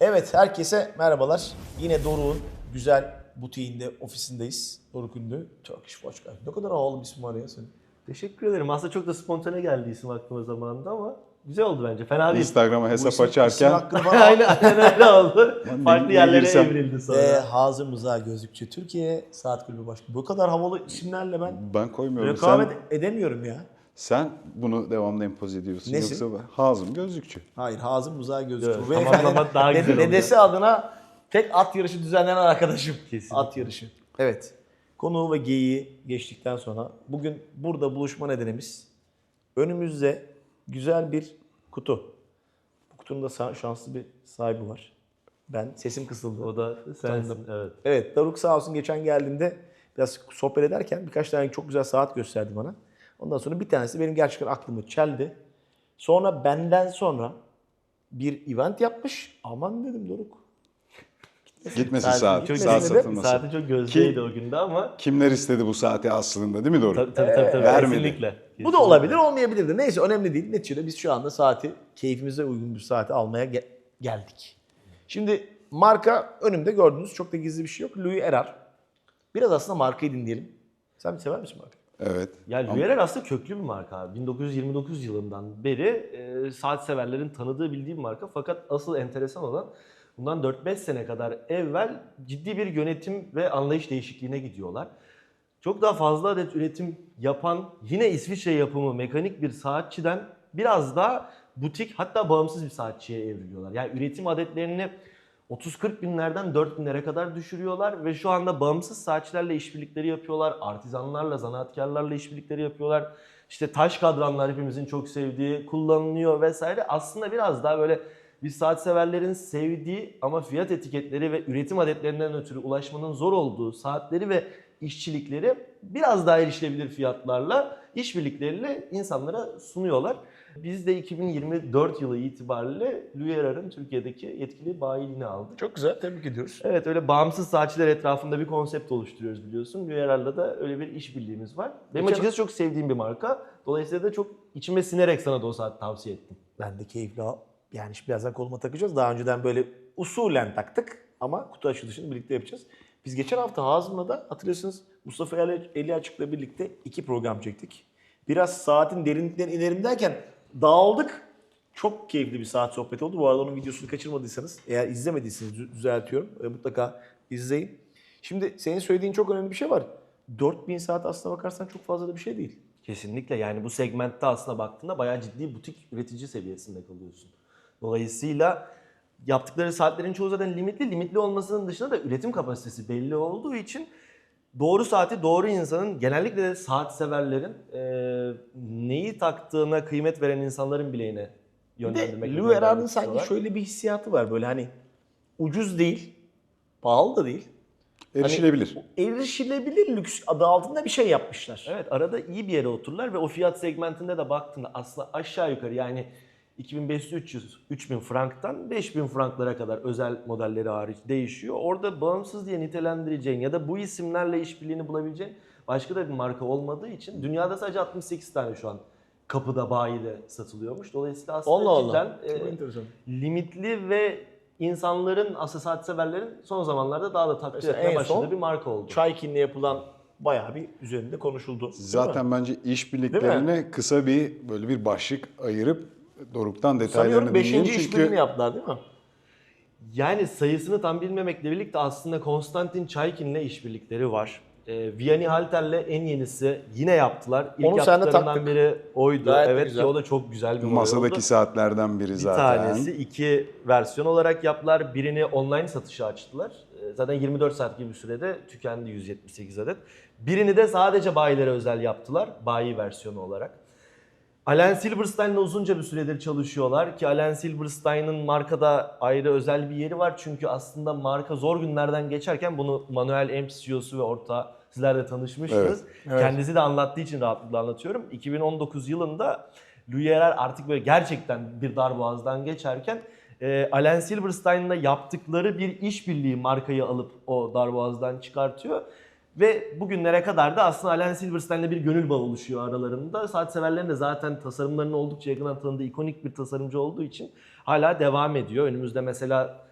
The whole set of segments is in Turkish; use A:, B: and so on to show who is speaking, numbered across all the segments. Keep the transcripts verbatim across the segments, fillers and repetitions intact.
A: Evet, herkese merhabalar. Yine Doruk'un güzel butiğinde, ofisindeyiz. Doruk Ünlü, Turkish Watch Guy. Ne kadar havalı bir isim var ya senin.
B: Teşekkür ederim. Aslında çok da spontane geldi isim aklıma zamanında ama güzel oldu bence. Fena değil.
C: Instagram'a hesap
A: isim- isim
C: açarken
A: hakkını bana
B: aynen, aynen öyle oldu.
C: Lan
B: Farklı
C: niye
B: yerlere
C: girsem?
B: evrildi sonra.
A: Ve Hazım Rıza Gözlükçü Türkiye Saat Kulübü Başkanı. Bu kadar havalı isimlerle ben
C: ben koymuyorum.
A: rekabet
C: Sen,
A: edemiyorum ya.
C: sen bunu devamlı empoze ediyorsun.
A: Nesin?
C: Yoksa ben- Hazım Gözlükçü.
A: Hayır, Hazım Rıza Gözlükçü.
B: Evet,
A: Bu
B: tamamlamak
A: beyefendi
B: daha
A: de-
B: güzel oldu.
A: dedesi adına tek at yarışı düzenlenen arkadaşım.
B: Kesinlikle.
A: At yarışı. Evet. Konuğu ve geyiği geçtikten sonra bugün burada buluşma nedenimiz önümüzde güzel bir kutu. Bu kutunun da sa- şanslı bir sahibi var. Ben, sesim kısıldı.
B: O da sensin. Evet.
A: Evet, Doruk sağ olsun geçen geldiğimde biraz sohbet ederken birkaç tane çok güzel saat gösterdi bana. Ondan sonra bir tanesi benim gerçekten aklımı çeldi. Sonra benden sonra bir event yapmış. Aman dedim Doruk.
C: Gitmesin
A: Saat-
C: saat.
A: gitmesin
C: Saat
A: dedim.
C: satılmasın.
B: Saati çok gözdeydi o günde ama
C: Kimler istedi bu saati aslında değil mi Doruk?
B: tabii tabii tabii, tabii.
C: vermedi.
B: Kesinlikle.
A: Bu da
B: Kesinlikle.
A: olabilir, olmayabilir de. Neyse önemli değil. Neticede biz şu anda saati, keyfimize uygun bir saati almaya ge- geldik. Şimdi marka önümde gördüğünüz çok da gizli bir şey yok. Louis Erard. Biraz aslında markayı dinleyelim. Sen bir sever misin markayı?
C: Evet.
B: Yani
C: Ama-
B: Luerer aslında köklü bir marka abi. bin dokuz yüz yirmi dokuz yılından beri e, saat severlerin tanıdığı bildiği bir marka. Fakat asıl enteresan olan bundan dört beş sene kadar evvel ciddi bir yönetim ve anlayış değişikliğine gidiyorlar. Çok daha fazla adet üretim yapan yine İsviçre yapımı mekanik bir saatçiden biraz daha butik hatta bağımsız bir saatçiye evriliyorlar. Yani üretim adetlerini otuz kırk binlerden dört binlere kadar düşürüyorlar ve şu anda bağımsız saatçilerle işbirlikleri yapıyorlar. Artizanlarla, zanaatkarlarla işbirlikleri yapıyorlar. İşte taş kadranlar hepimizin çok sevdiği kullanılıyor vesaire. Aslında biraz daha böyle biz saat severlerin sevdiği ama fiyat etiketleri ve üretim adetlerinden ötürü ulaşmanın zor olduğu saatleri ve işçilikleri biraz daha erişilebilir fiyatlarla, işbirlikleriyle insanlara sunuyorlar. Biz de iki bin yirmi dört yılı itibariyle Louis Erard'ın Türkiye'deki yetkili bayiliğini aldık.
A: Çok güzel, tebrik ediyoruz.
B: Evet, öyle bağımsız saatçiler etrafında bir konsept oluşturuyoruz biliyorsun. Louis Erard'la da öyle bir işbirliğimiz var. Benim
A: Geçen-
B: açıkçası çok sevdiğim bir marka. Dolayısıyla da çok içime sinerek sana da o saat tavsiye ettim.
A: Ben de keyifli al. Yani şimdi birazdan koluma takacağız. Daha önceden böyle usulen taktık ama kutu açılışını birlikte yapacağız. Biz geçen hafta Hazım'la da hatırlıyorsunuz Mustafa Ali, Ali Açık'la birlikte iki program çektik. Biraz saatin derinliklerine inelim derken dağıldık. Çok keyifli bir saat sohbeti oldu. Bu arada onun videosunu kaçırmadıysanız, eğer izlemediyseniz dü- düzeltiyorum. E, mutlaka izleyin. Şimdi senin söylediğin çok önemli bir şey var. dört bin saat aslına bakarsan çok fazla da bir şey değil.
B: Kesinlikle, yani bu segmentte aslında baktığında bayağı ciddi butik üretici seviyesinde kalıyorsun. Dolayısıyla yaptıkları saatlerin çoğu zaten limitli. Limitli olmasının dışında da üretim kapasitesi belli olduğu için doğru saati doğru insanın, genellikle de saat severlerin e, neyi taktığına kıymet veren insanların bileğine
A: Bir de
B: yönlendirmek.
A: Louis Erard'ın sanki şöyle bir hissiyatı var böyle hani ucuz değil, pahalı da değil.
C: Erişilebilir.
A: Hani erişilebilir lüks adı altında bir şey yapmışlar.
B: Evet, arada iyi bir yere otururlar ve o fiyat segmentinde de baktığında aslında aşağı yukarı yani iki bin beş yüz üç yüz üç bin franktan beş bin franklara kadar özel modelleri hariç değişiyor. Orada bağımsız diye nitelendireceğin ya da bu isimlerle işbirliğini bulabileceğin başka da bir marka olmadığı için dünyada sadece altmış sekiz tane şu an kapıda, bayide satılıyormuş. Dolayısıyla aslında
A: Allah Allah.
B: cidden
A: Çok
B: e,
A: enteresan.
B: limitli ve insanların, aslında saat severlerin son zamanlarda daha da takdir
A: Mesela
B: etmeye
A: en
B: başladığı
A: son
B: bir marka oldu.
A: Çaykin'le yapılan bayağı bir üzerinde konuşuldu. değil mi?
C: Zaten bence işbirliklerine kısa bir böyle bir başlık ayırıp Doruk'tan detaylarını
A: Sanıyorum
C: dinleyelim.
A: beşinci
C: Çünkü
A: işbirliğini yaptılar değil mi?
B: Yani sayısını tam bilmemekle birlikte aslında Konstantin Çaykin'le işbirlikleri var. Ee, Vianney Halter'le en yenisi yine yaptılar. İlk
A: Onu sen de
B: yaptıklarından
A: taktık.
B: biri oydu.
A: Gayet de
B: evet
A: güzel.
B: ki o da çok güzel bir model
C: masadaki
B: oldu.
C: saatlerden biri
B: Bir
C: zaten.
B: tanesi iki versiyon olarak yaptılar. Birini online satışa açtılar. Ee, Zaten yirmi dört saat gibi bir sürede tükendi yüz yetmiş sekiz adet. Birini de sadece bayilere özel yaptılar. Bayi versiyonu olarak. Alan Silverstein'la uzunca bir süredir çalışıyorlar ki Alan Silverstein'ın markada ayrı özel bir yeri var. Çünkü aslında marka zor günlerden geçerken bunu Manuel M C E O'su ve ortağı sizler de tanışmışsınız.
A: Evet, evet.
B: Kendisi de anlattığı için rahatlıkla anlatıyorum. iki bin on dokuz yılında Louis Erard artık böyle gerçekten bir darboğazdan geçerken e, Alan Silverstein'la yaptıkları bir işbirliği markayı alıp o darboğazdan çıkartıyor. Ve bugünlere kadar da aslında Alan Silverstein'le bir gönül bağı oluşuyor aralarında. Saat severlerin de zaten tasarımlarının oldukça yakından tanıdığı ikonik bir tasarımcı olduğu için hala devam ediyor. Önümüzde mesela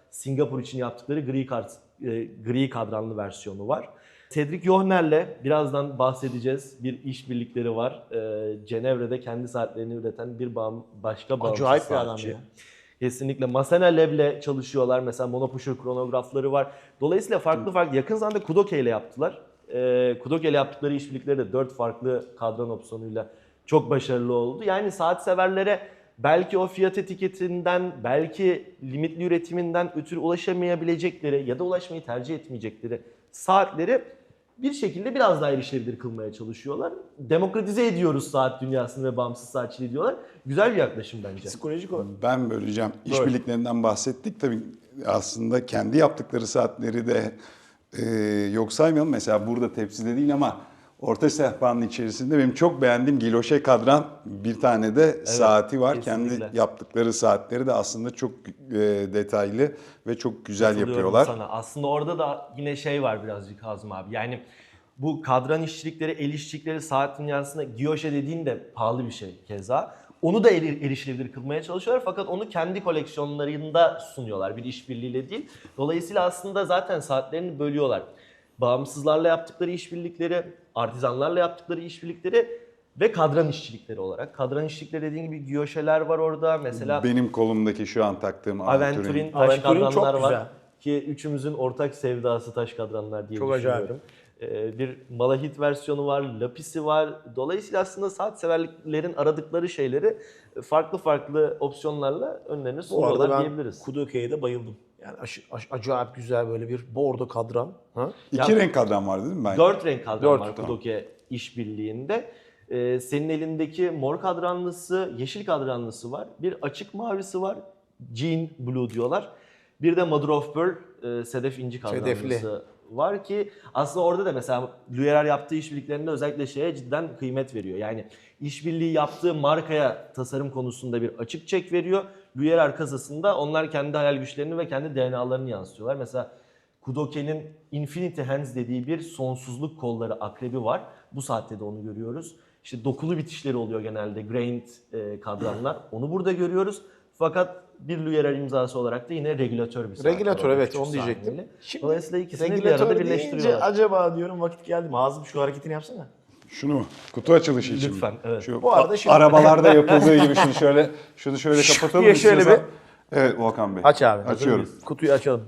B: Singapur için yaptıkları gri, kart, e, gri kadranlı versiyonu var. Cedric Johner'le birazdan bahsedeceğiz. Bir işbirlikleri var. E, Cenevre'de kendi saatlerini üreten bir bağım, başka bağımsız
A: Acayip bir adam
B: saatçi.
A: ya.
B: Kesinlikle. Masana Lab'le çalışıyorlar. Mesela Monopusher kronografları var. Dolayısıyla farklı farklı. Yakın zamanda Kudoke ile yaptılar. E, Kudoke ile yaptıkları işbirlikleri de dört farklı kadran opsiyonuyla çok başarılı oldu. Yani saat severlere belki o fiyat etiketinden, belki limitli üretiminden ötürü ulaşamayabilecekleri ya da ulaşmayı tercih etmeyecekleri saatleri bir şekilde biraz daha erişilebilir kılmaya çalışıyorlar. Demokratize ediyoruz saat dünyasını ve bağımsız saatçiliği diyorlar. Güzel bir yaklaşım bence.
A: Psikolojik olarak.
C: Ben böleceğim. İşbirliklerinden bahsettik. Tabii aslında kendi yaptıkları saatleri de e, yok saymayalım. Mesela burada tepside değil ama orta sehpanın içerisinde benim çok beğendiğim Giloşe kadran bir tane de evet, saati var.
B: Kesinlikle.
C: Kendi yaptıkları saatleri de aslında çok e, detaylı ve çok güzel yapıyorlar.
B: Sana. Aslında orada da yine şey var birazcık Hazım abi. Yani bu kadran işçilikleri, el işçilikleri saat dünyasında Giyoşe dediğin de pahalı bir şey keza. Onu da eri- erişilebilir kılmaya çalışıyorlar fakat onu kendi koleksiyonlarında sunuyorlar bir işbirliğiyle değil. Dolayısıyla aslında zaten saatlerini bölüyorlar. Bağımsızlarla yaptıkları işbirlikleri, artizanlarla yaptıkları işbirlikleri ve kadran işçilikleri olarak. Kadran işçilikleri dediğin gibi Giyoşe'ler var orada. Mesela
C: Benim kolumdaki şu an taktığım
B: Aventurin
C: Aventurin.
B: taş
A: Aventurin çok
B: kadranlar var.
A: güzel.
B: Ki üçümüzün ortak sevdası taş kadranlar diye
A: Çok
B: düşünüyorum. Ee, bir malahit versiyonu var, lapisi var. Dolayısıyla aslında saat severlerin aradıkları şeyleri farklı farklı opsiyonlarla önlerine
A: Bu
B: sunuyorlar
A: arada ben
B: diyebiliriz.
A: Kudoke'ye de bayıldım. Yani aş, aş, acayip güzel böyle bir bordo kadran. Ha?
C: İki
B: Ya-
C: renk kadran var değil mi? Ben
B: Dört renk kadran
A: Dört,
B: var
C: tamam.
B: Kudoke işbirliğinde. Ee, senin elindeki mor kadranlısı, yeşil kadranlısı var. Bir açık mavisi var. Jean Blue diyorlar. Bir de Mother of Pearl, e, sedef inci kadranlısı
A: Sedefli.
B: var ki aslında orada da mesela Luyerer yaptığı işbirliklerinde özellikle şeye cidden kıymet veriyor. Yani işbirliği yaptığı markaya tasarım konusunda bir açık çek veriyor. Luyerer kasasında onlar kendi hayal güçlerini ve kendi D N A'larını yansıtıyorlar. Mesela Kudoke'nin Infinity Hands dediği bir sonsuzluk kolları akrebi var. Bu saatte de onu görüyoruz. İşte dokulu bitişleri oluyor genelde grained e, kadranlar. Onu burada görüyoruz. Fakat bir Luyerer imzası olarak da yine regülatör bir saat.
A: Regülatör
B: var.
A: evet
B: Küçük
A: onu diyecektim.
B: saniyeli.
A: Şimdi
B: Dolayısıyla ikisini bir
A: regülatör
B: arada
A: deyince
B: birleştiriyorlar.
A: acaba diyorum vakit geldi mi? Hazım şu hareketini yapsana.
C: Şunu mu? Kutu açılışı için mi?
B: Lütfen, evet.
C: Şu
A: Bu arada
C: a-
A: şimdi-
C: arabalarda yapıldığı gibi şunu şöyle şunu şöyle kapatalım
A: diye şöyle
C: istiyorsan. Evet Volkan Bey.
A: Aç abi.
C: Açıyorum.
A: Kutuyu açalım.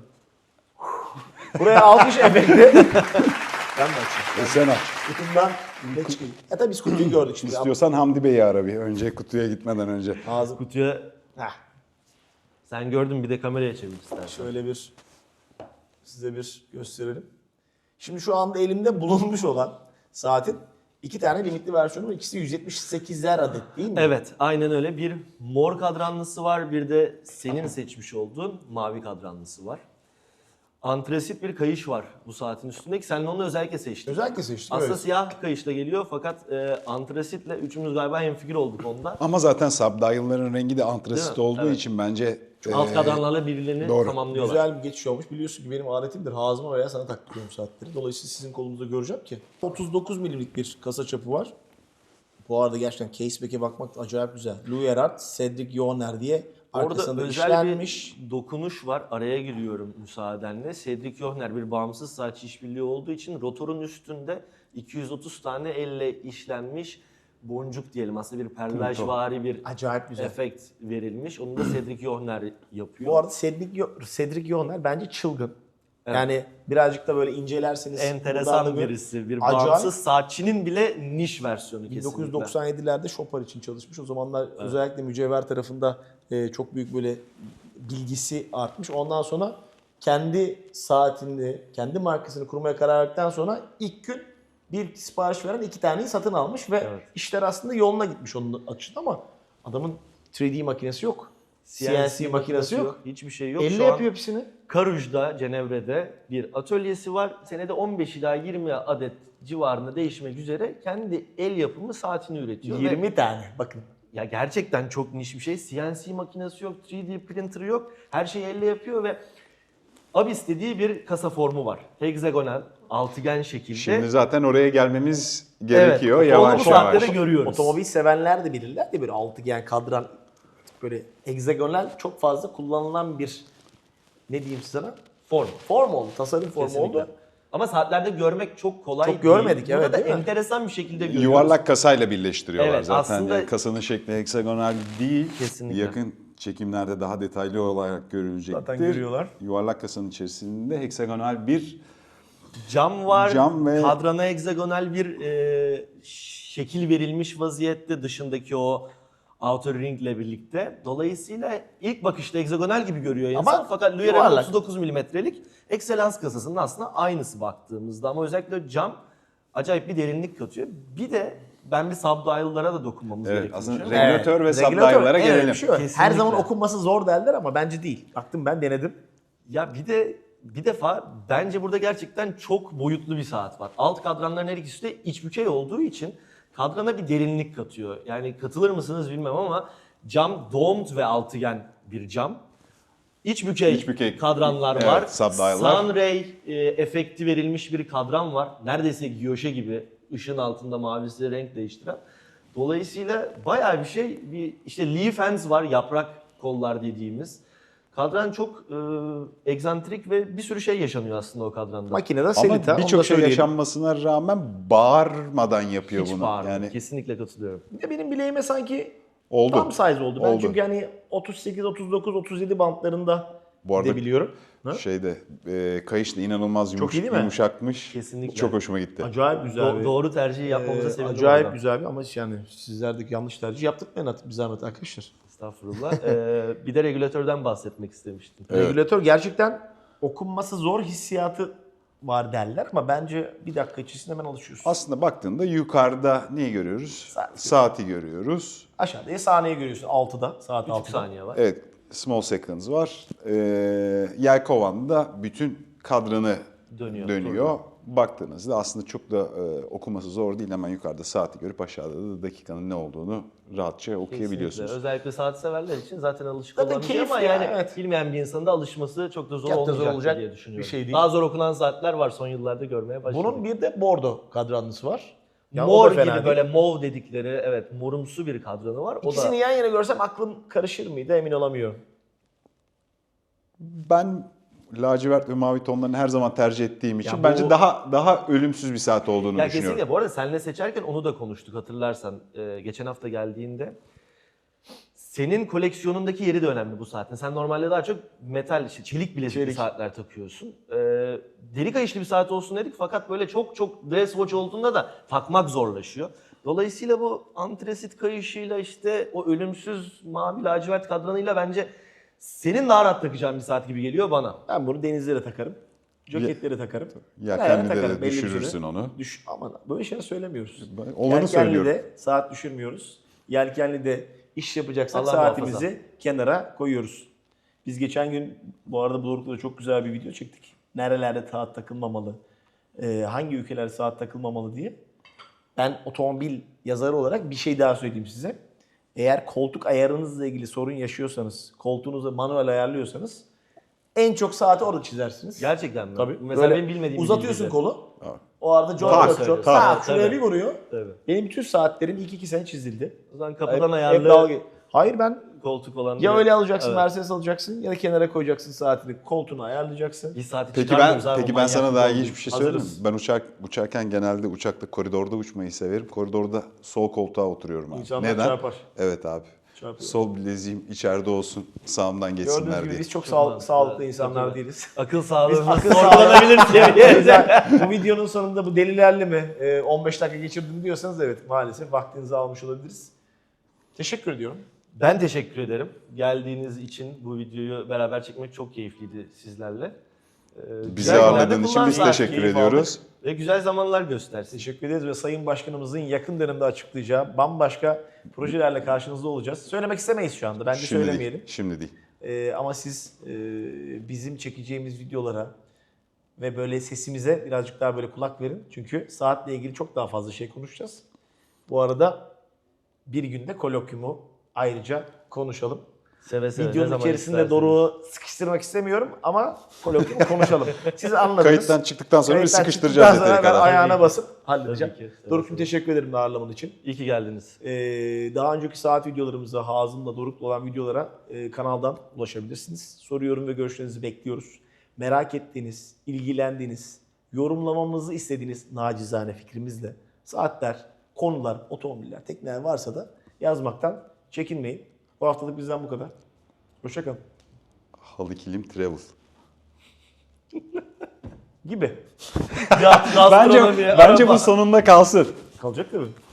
A: Buraya alkış efekti. Ben de açayım.
C: E, sen aç.
A: Kutumdan ne çıkıyor? Ya tabii biz kutuyu gördük şimdi.
C: İstiyorsan Hamdi Bey'i ara bir önce kutuya gitmeden önce.
A: Ağzım.
B: Kutuya
A: Heh,
B: sen gördün bir de kameraya çevir istersen.
A: şöyle bir size bir gösterelim. Şimdi şu anda elimde bulunmuş olan saatin iki tane limitli versiyonu var. İkisi yüz yetmiş sekizler adet değil mi?
B: Evet, aynen öyle. Bir mor kadranlısı var, bir de senin seçmiş olduğun mavi kadranlısı var. Antrasit bir kayış var bu saatin üstündeki. Sen onu özellikle seçtin.
A: Özellikle seçtim.
B: Aslında
A: evet.
B: siyah bir kayışla geliyor fakat e, antrasitle üçümüz galiba hemfikir olduk onda.
C: Ama zaten subdial'ların rengi de antrasit
B: Değil mi?
C: olduğu
B: Evet.
C: için bence
B: Alt
C: e,
B: kadranlarla birbirlerini
C: doğru.
B: tamamlıyorlar.
A: Güzel bir geçiş olmuş. Biliyorsun ki benim adetimdir. Hazıma veya sana taktırıyorum saatleri. Dolayısıyla sizin kolunuzda göreceğim ki. otuz dokuz milimlik bir kasa çapı var. Bu arada gerçekten caseback'e bakmak acayip güzel. Louis Erhard, Cedric Johner diye
B: Orada
A: arkasında
B: özel
A: işlenmiş.
B: bir dokunuş var. Araya giriyorum müsaadenle. Cedric Johner bir bağımsız saatçi işbirliği olduğu için rotorun üstünde iki yüz otuz tane elle işlenmiş boncuk diyelim. Aslında bir perlajvari bir
A: Acayip güzel.
B: efekt verilmiş. Onu da Cedric Johner yapıyor.
A: Bu arada Cedric, Yo- Cedric Johner bence çılgın. Yani birazcık da böyle incelerseniz. buradan da
B: enteresan
A: böyle-
B: birisi. Bir
A: Acayip.
B: bağımsız saatçinin bile niş versiyonu kesinlikle.
A: bin dokuz yüz doksan yedilerde Chopin için çalışmış. O zamanlar özellikle mücevher tarafında e, çok büyük böyle bilgisi artmış. Ondan sonra kendi saatini, kendi markasını kurmaya karar verdikten sonra ilk gün bir sipariş veren iki taneyi satın almış ve
B: Evet.
A: işler aslında yoluna gitmiş onun açısından ama adamın üç D makinesi yok. C N C, makinesi yok.
B: Hiçbir şey yok.
A: Elle
B: Şu an
A: yapıyor hepsini.
B: Karuj'da, Cenevre'de bir atölyesi var. Senede on beş ila yirmi adet civarında değişmek üzere kendi el yapımı saatini üretiyor. Ve
A: yirmi tane bakın.
B: ya gerçekten çok niş bir şey. C N C makinesi yok, üç D printer yok. Her şeyi elle yapıyor ve Abyss dediği bir kasa formu var. Hexagonal, altıgen şekilde.
C: Şimdi zaten oraya gelmemiz gerekiyor
B: onu bu
C: yavaş
B: saatte
C: yavaş.
B: de görüyoruz.
A: Otomobil sevenler de bilirler de böyle altıgen kadran böyle hexagonal çok fazla kullanılan bir ne diyeyim sana?
B: Form.
A: Form oldu. Tasarım formu
B: Kesinlikle.
A: oldu.
B: Ama saatlerde görmek çok kolay
A: Çok
B: değil.
A: görmedik,
B: Burada
A: evet,
B: da
A: değil mi?
B: enteresan bir şekilde görüyoruz.
C: Yuvarlak kasayla birleştiriyorlar
B: Evet,
C: zaten.
B: aslında-
C: Yani kasanın şekli heksagonal değil.
B: Kesinlikle.
C: Yakın çekimlerde daha detaylı olarak görülecektir.
A: Zaten görüyorlar.
C: Yuvarlak kasanın içerisinde heksagonal bir
B: Cam var,
C: Cam ve-
B: kadrana hegzagonal bir e, şekil verilmiş vaziyette dışındaki o outer ring ile birlikte. Dolayısıyla ilk bakışta hegzagonal gibi görüyor insan
A: Ama
B: fakat Luyer'in
A: yuvarlak.
B: otuz dokuz milimetrelik Excellence kasasının aslında aynısı baktığımızda ama özellikle cam acayip bir derinlik katıyor. Bir de ben bir subdial'lara da dokunmamız
C: Evet,
B: gerektiğini
C: aslında
B: düşünüyorum.
C: Regülatör ve
A: regülatör,
C: subdial'lara
A: en
C: gelelim.
A: önemli şey o. Her
B: Kesinlikle.
A: zaman okunması zor derler ama bence değil. Baktım ben denedim.
B: Ya bir de bir defa bence burada gerçekten çok boyutlu bir saat var. Alt kadranların her ikisi de iç bükey olduğu için kadrana bir derinlik katıyor. Yani katılır mısınız bilmem ama cam domed ve altıgen bir cam. İç bükey,
C: İç bükey,
B: kadranlar
C: evet,
B: var.
C: subdial'lar.
B: Sunray e, efekti verilmiş bir kadran var. Neredeyse giyoşe gibi ışığın altında mavisi renk değiştiren. Dolayısıyla bayağı bir şey. Bir işte leaf hands var, yaprak kollar dediğimiz. Kadran çok e, egzantrik ve bir sürü şey yaşanıyor aslında o kadranda.
A: Makinede Selita.
C: Ama
A: onu
C: birçok
A: da
C: şey
A: söyleyelim.
C: yaşanmasına rağmen bağırmadan yapıyor
B: Hiç
C: bunu.
B: bağırmıyor.
C: Yani
B: Kesinlikle katılıyorum.
A: Bir de benim bileğime sanki
C: oldu.
A: tam size oldu. Ben
C: Oldu.
A: çünkü hani otuz sekiz, otuz dokuz, otuz yedi bantlarında
C: Bu arada
A: gidebiliyorum. Ha?
C: şeyde e, kayış da inanılmaz yumuş,
A: iyi değil mi?
C: yumuşakmış.
B: Kesinlikle.
C: Çok hoşuma gitti.
A: Acayip güzel
B: Do-
A: bir...
B: doğru tercihi yapmamıza
A: Ee,
B: sevindim.
A: acayip
B: oradan.
A: güzel bir ama yani sizlerdeki yanlış tercih yaptırmayın artık bir zahmet arkadaşlar.
B: Estağfurullah. Ee, bir de regülatörden bahsetmek istemiştim.
C: Evet.
A: Regülatör gerçekten okunması zor hissiyatı var derler ama bence bir dakika içerisinde hemen alışıyorsun.
C: Aslında baktığında yukarıda neyi görüyoruz?
A: Saat.
C: Saati görüyoruz.
A: Aşağıda saniye görüyorsun altıda, saat
B: üç
A: altıda.
B: saniye var.
C: Evet, small seconds var. Ee, Yelkovan'da bütün kadranı
B: Dönüyor.
C: dönüyor. Baktığınızda aslında çok da e, okuması zor değil. Hemen yukarıda saati görüp aşağıda da dakikanın ne olduğunu rahatça okuyabiliyorsunuz.
B: Kesinlikle. Özellikle saat severler için zaten alışık
A: Zaten
B: olan bir şey
A: keyifli
B: ama
A: ya,
B: yani
A: evet.
B: bilmeyen bir insanın da alışması çok da zor
A: Çok da zor
B: olmayacak
A: olacak
B: diye düşünüyorum.
A: bir şey değil.
B: Daha zor okunan saatler var son yıllarda görmeye başladık.
A: Bunun bir de bordo kadranlısı var. Ya o
B: mor
A: da
B: gibi
A: fena değil.
B: böyle mov dedikleri evet morumsu bir kadranı var. O
A: İkisini
B: da
A: yan yana görsem aklım karışır mıydı emin olamıyorum.
C: Ben lacivert ve mavi tonlarını her zaman tercih ettiğim için
B: bu-
C: bence daha daha ölümsüz bir saat olduğunu
B: ya
C: düşünüyorum.
B: kesinlikle bu arada seninle seçerken onu da konuştuk hatırlarsan Ee, geçen hafta geldiğinde. Senin koleksiyonundaki yeri de önemli bu saatin. Sen normalde daha çok metal, işte çelik bilezikli
A: Çelik.
B: saatler takıyorsun. Ee, deri kayışlı bir saat olsun dedik fakat böyle çok çok dress watch olduğunda da takmak zorlaşıyor. Dolayısıyla bu antresit kayışıyla işte o ölümsüz mavi lacivert kadranıyla bence senin daha rahat takacağın bir saat gibi geliyor bana.
A: Ben bunu denizlere takarım. Joketlere takarım.
C: Yelkenli
A: Ayağına
C: de
A: takarım belli bir
C: düşürürsün
A: süre.
C: onu.
A: Düş, aman böyle şeyler söylemiyoruz.
C: Ben olanı söylüyorum.
A: Yelkenli'de saat düşürmüyoruz. Yelkenli'de iş yapacaksak
B: Allah
A: saatimizi
B: muhafaza.
A: kenara koyuyoruz. Biz geçen gün bu arada bu Doruk'ta da çok güzel bir video çektik. Nerelerde saat takılmamalı, e, hangi ülkelerde saat takılmamalı diye. Ben otomobil yazarı olarak bir şey daha söyleyeyim size. Eğer koltuk ayarınızla ilgili sorun yaşıyorsanız, koltuğunuzu manuel ayarlıyorsanız en çok saati orada çizersiniz.
B: Gerçekten mi?
A: Tabii.
B: Mesela
A: Böyle
B: benim bilmediğim
A: uzatıyorsun
B: bilgiler.
A: kolu.
C: Evet.
A: O arada John
C: Tak,
A: Locke çok.
C: tak.
A: Tak, şuraya
B: Tabii.
A: bir vuruyor.
B: Tabii.
A: Benim bütün saatlerim ilk iki sene çizildi.
B: O zaman
A: Hep-
B: kapıdan
A: hep
B: ayarlı
A: dalga- Hayır ben
B: koltuk olan
A: ya
B: bir-
A: öyle alacaksın,
B: Evet.
A: Mercedes alacaksın ya da kenara koyacaksın saatini, koltuğunu ayarlayacaksın.
B: Bir saati
C: Peki ben
B: çıkarmıyoruz abi,
C: peki
B: o
C: ben sana
B: manyaklık
C: daha
B: olduğu
C: ilginç bir şey
B: için.
C: söyleyeyim mi?
B: Hazırız.
C: Ben uçak uçarken genelde uçakta koridorda uçmayı severim. Koridorda sol koltuğa oturuyorum abi.
A: İnsanlar
C: Neden?
A: çarpar.
C: Evet abi.
A: Çarpıyor.
C: Sol bileziğim içeride olsun, sağımdan geçsinler
A: Gördüğünüz gibi
C: diye.
A: biz çok,
B: Çok
A: sağ-
B: mantıklı.
A: sağlıklı insanlar
B: Çok
A: değiliz.
B: Akıl sağlığımız
A: akıl
B: sorgulanabilir seviyede.
A: Güzel. Bu videonun sonunda bu delilerle mi e, on beş dakika geçirdim diyorsanız evet maalesef vaktinizi almış olabiliriz. Teşekkür ediyorum.
B: Ben teşekkür ederim. Geldiğiniz için bu videoyu beraber çekmek çok keyifliydi sizlerle. Ee,
C: Bizi
B: güzel günlerde
C: ağırladığın için biz
B: kullan-
C: teşekkür
A: keyif
C: ediyoruz.
B: Ve güzel zamanlar göstersin.
A: Teşekkür ederiz ve Sayın Başkanımızın yakın dönemde açıklayacağı bambaşka projelerle karşınızda olacağız. Söylemek istemeyiz şu anda. Bence
C: Şimdi
A: söylemeyelim.
C: değil. Şimdi değil.
A: Ee, ama siz e, bizim çekeceğimiz videolara ve böyle sesimize birazcık daha böyle kulak verin. Çünkü saatle ilgili çok daha fazla şey konuşacağız. Bu arada bir günde kolokyumu ayrıca konuşalım.
B: Seve seve. Ne
A: Videonun
B: zaman
A: içerisinde
B: isterseniz.
A: Doruk'u sıkıştırmak istemiyorum ama kolokviyum konuşalım. Siz anladınız.
C: Kayıttan çıktıktan sonra bir
A: Kayıttan
C: sıkıştıracağız
A: çıktıktan sonra
C: yeteri
A: ben
C: kadar.
A: ayağına
B: Tabii ki.
A: basıp halledeceğim.
B: Tabii ki, seve
A: Doruk'cum
B: seve.
A: teşekkür ederim ağırlaman için.
B: İyi ki geldiniz.
A: Ee, daha önceki saat videolarımıza, Hazım'la Doruk'la olan videolara e, kanaldan ulaşabilirsiniz. Soru, yorum ve görüşlerinizi bekliyoruz. Merak ettiğiniz, ilgilendiğiniz, yorumlamamızı istediğiniz nacizane fikrimizle saatler, konular, otomobiller, tekneler varsa da yazmaktan çekinmeyin. Bu haftalık bizden bu kadar. Hoşçakalın.
C: Halı kilim travel.
A: Gibi.
B: Ya,
C: Bence
B: gastronomi,
C: bence
B: araba.
C: bu sonunda kalsın.
A: Kalacak tabii.